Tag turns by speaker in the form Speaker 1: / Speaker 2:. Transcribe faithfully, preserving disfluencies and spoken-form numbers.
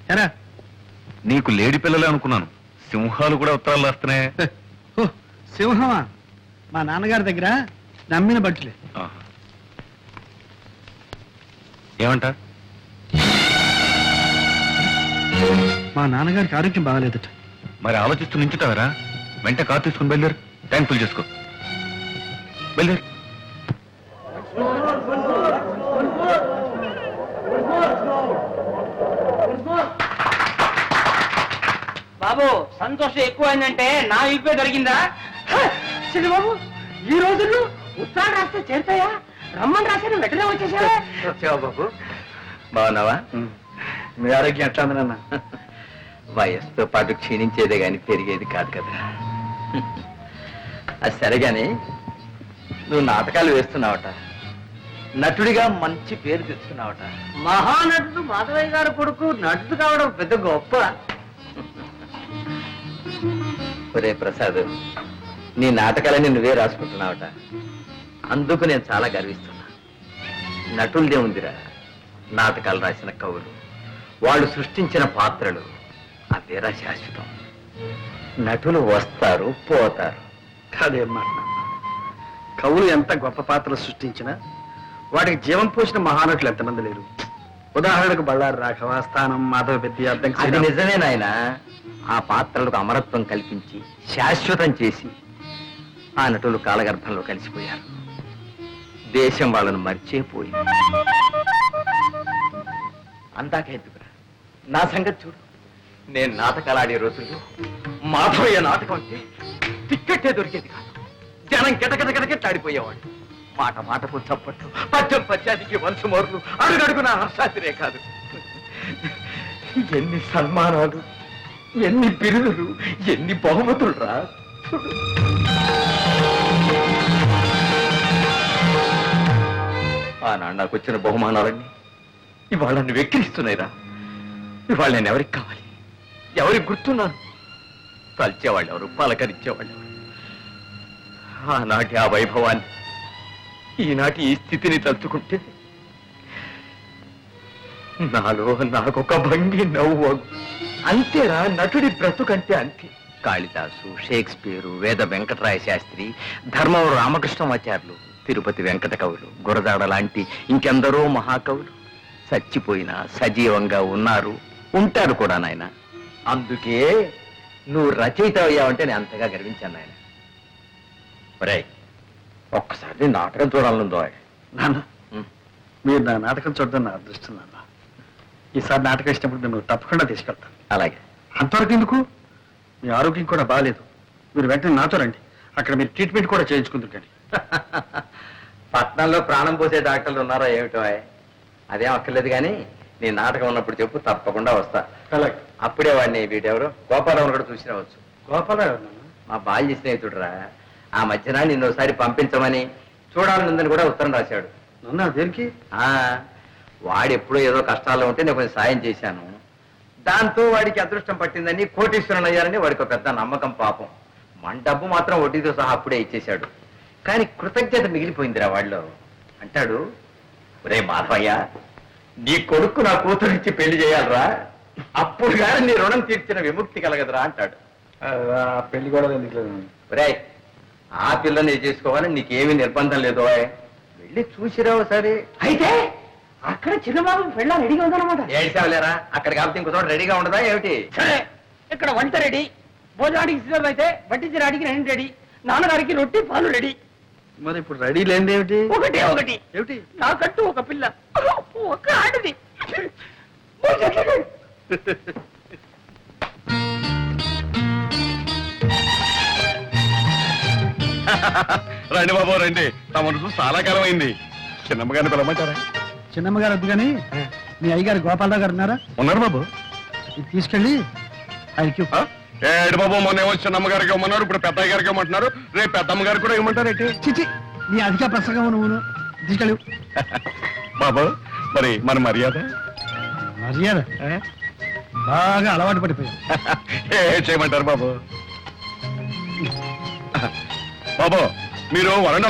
Speaker 1: ఎరా
Speaker 2: నీకు లేడి పిల్లలే అనుకున్నాను, సింహాలు కూడా ఉత్తరాలు రాస్తున్నాయి.
Speaker 1: ఓ సింహమా? మా నాన్నగారి దగ్గర నమ్మిన బట్టలే.
Speaker 2: ఏమంట?
Speaker 1: మా నాన్నగారికి ఆరోగ్యం బాగాలేదట.
Speaker 2: మరి ఆలోచిస్తూ నించుతావరా? వెంట కారు తీసుకుని బయలుదేరు, ట్యాంక్ ఫుల్ చేసుకో. బయలుదేరు.
Speaker 3: బాబు సంతోషం ఎక్కువైందంటే నా ఇప్పే దొరికిందా? బాబు ఈ రోజుల్లో ఉత్తరాలు రాస్తే చేరుతాయా? రమ్మని రాశాను వెంటనే వచ్చేసావా?
Speaker 4: వచ్చావా బాబు? బాగున్నావా?
Speaker 1: మీ ఆరోగ్యం ఎట్లా ఉంది నాన్న?
Speaker 4: వయస్సుతో పాటు క్షీణించేదే గాని పెరిగేది కాదు కదా. అది సరేగాని నువ్వు నాటకాలు వేస్తున్నావట, నటుడిగా మంచి పేరు తెచ్చుకున్నావట.
Speaker 3: మహానటుడు మాధవయ్య గారు కొడుకు నటుడు కావడం పెద్ద గొప్ప.
Speaker 4: ఒరే ప్రసాద్, నీ నాటకాలని నువ్వే రాసుకుంటున్నావట, అందుకు నేను చాలా గర్విస్తున్నా. నటులదే ఉందిరా, నాటకాలు రాసిన కవులు, వాళ్ళు సృష్టించిన పాత్రలు అవేరా శాశ్వతం. నటులు వస్తారు పోతారు.
Speaker 1: కాదేం మాట నాన్న. కవులు ఎంత గొప్ప పాత్రలు సృష్టించినా వాటికి జీవం పోసిన మహానటులు ఎంతమంది లేరు. ఉదాహరణకు బళ్ళారి రాఘవ, స్థానం, మాధవ పెద్ద అర్థం.
Speaker 4: అది నిజమే నాయన. ఆ పాత్రలకు అమరత్వం కల్పించి శాశ్వతం చేసి ఆ నటులు కాలగర్భంలో కలిసిపోయారు. దేశం వాళ్ళను మర్చిపోయింది. అందాకెందుకురా, నా సంగతి చూడు. నేను నాటకాలు ఆడే రోజుల్లో మాధవయ్య నాటకం అంటే టిక్కెట్టే దొరికేది కాదు. జనం గిటగిటగిటగిట్లాడిపోయేవాడు. మాట మాటకు చప్పట్లు, పద్యం పద్యానికి వంశమోర్లు, అడుగడుగున హర్షాతిరే కాదు. ఎన్ని సన్మానాలు, ఎన్ని బిరుదులు, ఎన్ని బహుమతులు రా. ఆనాడు నాకు వచ్చిన బహుమానాలన్నీ ఇవాళ నన్ను వెక్కిరిస్తున్నాయిరా. ఇవాళ నేను ఎవరికి కావాలి, ఎవరికి గుర్తున్నాను? తలిచేవాళ్ళు ఎవరు, పలకరించేవాళ్ళు ఎవరు? ఆనాటి ఆ వైభవాన్ని, ఈనాటి ఈ స్థితిని తలుచుకుంటే నాలో నాకొక భంగి నవ్వు. అంతేరా నటుడి బ్రతుకంటే అంతే. కాళిదాసు, షేక్స్పియరు, వేద వెంకటరాయ శాస్త్రి, ధర్మవరం రామకృష్ణమాచార్యులు, తిరుపతి వెంకట కవులు, గురజాడ లాంటి ఇంకెందరో మహాకవులు చచ్చిపోయినా సజీవంగా ఉన్నారు, ఉంటారు కూడా నాయన. అందుకే నువ్వు రచయిత అయ్యావంటే నేను అంతగా గర్వించాను నాయన. ఒరేయ్, ఒక్కసారి నాటకం చూడాలనుందో.
Speaker 1: నాన్న, మీరు నా నాటకం చూడడం నా అదృష్టం నాన్న. ఈసారి నాటకం ఇచ్చినప్పుడు నేను తప్పకుండా తీసుకెళ్తాను.
Speaker 4: అలాగే.
Speaker 1: అంతవరకు ఎందుకు? మీ ఆరోగ్యం కూడా బాగాలేదు. మీరు వెంటనే నాతో రండి, అక్కడ మీరు ట్రీట్మెంట్ కూడా చేయించుకుందరు. కానీ
Speaker 4: పట్నంలో ప్రాణం పోసే డాక్టర్లు ఉన్నారా ఏమిటో? అదేం అక్కర్లేదు కానీ నీ నాటకం ఉన్నప్పుడు చెప్పు, తప్పకుండా వస్తా.
Speaker 1: అలాగే.
Speaker 4: అప్పుడే వాడిని వీటెవరు గోపాలరావు కూడా చూసి రావచ్చు.
Speaker 1: గోపాలరావు
Speaker 4: మా బాల్య స్నేహితుడురా. ఆ మధ్యన నిన్ను ఒకసారి పంపించమని చూడాలనుందని కూడా ఉత్తరం రాశాడు.
Speaker 1: నన్ను దేనికి?
Speaker 4: ఆ వాడు ఎప్పుడో ఏదో కష్టాల్లో ఉంటే నేను కొంచెం సాయం చేశాను. దాంతో వాడికి అదృష్టం పట్టిందని, కోటీశ్వరుని అయ్యారని వాడికి ఒక పెద్ద నమ్మకం. పాపం మన డబ్బు మాత్రం వడ్డీతో సహా అప్పుడే ఇచ్చేశాడు. కానీ కృతజ్ఞత మిగిలిపోయిందిరా వాళ్ళలో. అంటాడు, ఒరే మాధవయ్య, నీ కొడుకు నా కూతురిచ్చి పెళ్లి చేయాలరా, అప్పుడు కానీ నీ రుణం తీర్చిన విముక్తి కలగదురా అంటాడు.
Speaker 1: పెళ్లి కూడా ఎందుకు?
Speaker 4: ఒరే, ఆ పిల్లని చేసుకోవాలని నీకేమీ నిర్బంధం లేదు. వెళ్ళి చూసిరావు సరే.
Speaker 3: అయితే అక్కడ చిన్నబాబు పెళ్ళ రెడీగా ఉందన్నమాట.
Speaker 4: ఏడ్చావులేరా, అక్కడ కాబట్టి ఇంకో చోట రెడీగా ఉండదా ఏమిటి?
Speaker 3: సరే, ఇక్కడ వంట రెడీ, భోజనానికి సిద్ధం అయితే వడ్డించడానికి రెండు రెడీ, నాన్నగారికి రొట్టి పాలు రెడీ.
Speaker 1: మరి ఇప్పుడు రెడీ లేనిది ఏమిటి?
Speaker 3: ఒకటే ఒకటి
Speaker 1: ఏమిటి?
Speaker 3: నాకంటూ ఒక పిల్ల, ఒక ఆడది.
Speaker 2: రండి బాబు రండి, తమను చూసి చాలా కాలం అయింది. చిన్నమ్మగారిని పిలవమంటారా?
Speaker 1: చిన్నమ్మగారు వద్దు కానీ మీ అయ్యగారు గోపాలరావు గారు ఉన్నారా?
Speaker 2: ఉన్నారు బాబు.
Speaker 1: ఇది తీసుకెళ్ళి ఆయనకి.
Speaker 2: ఏడు బాబు, మొన్న ఏమో చిన్నమ్మగారికి ఇవ్వమన్నారు, ఇప్పుడు పెద్దయ్య గారికి ఇవ్వమంటున్నారు, రేపు పెద్దమ్మ గారికి కూడా ఇవ్వమంటారు ఏంటి?
Speaker 1: చిచి, నీ అధిక ప్రసంగం నువ్వు తీసుకెళ్ళు.
Speaker 2: బాబు మరి మన మర్యాద
Speaker 1: మర్యాద బాగా అలవాటు పడిపోయావు.
Speaker 2: ఏ చేయమంటారు బాబు? బాబు మీరు వరండా